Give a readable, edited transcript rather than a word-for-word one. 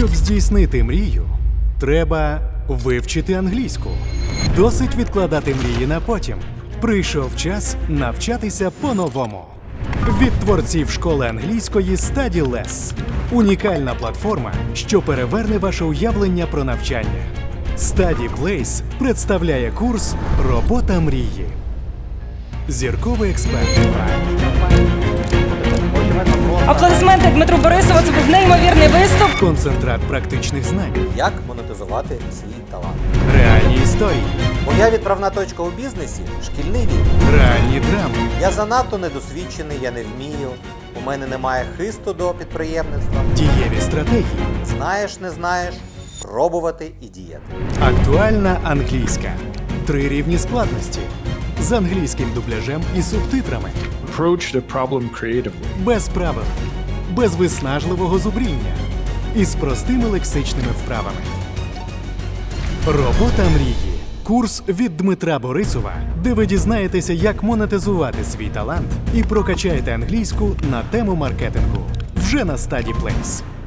Щоб здійснити мрію, треба вивчити англійську. Досить відкладати мрії на потім. Прийшов час навчатися по-новому. Від творців школи англійської StudyLess. Унікальна платформа, що переверне ваше уявлення про навчання. StudyPlace представляє курс «Робота мрії». Зірковий експерт. Аплодисменти Дмитру Борисову. Це був неймовірний виступ. Концентрат практичних знань. Як монетизувати свій талант? Реальні історії. Моя відправна точка у бізнесі – шкільний вік. Реальні драми. Я занадто недосвідчений, я не вмію. У мене немає хисту до підприємництва. Дієві стратегії. Знаєш, не знаєш, пробувати і діяти. Актуальна англійська. 3 рівні складності. З англійським дубляжем і субтитрами. Approach the problem creatively. Без правил. Без виснажливого зубріння. І з простими лексичними вправами. Робота мрії. Курс від Дмитра Борисова, де ви дізнаєтеся, як монетизувати свій талант і прокачаєте англійську на тему маркетингу. Вже на StudyPlace.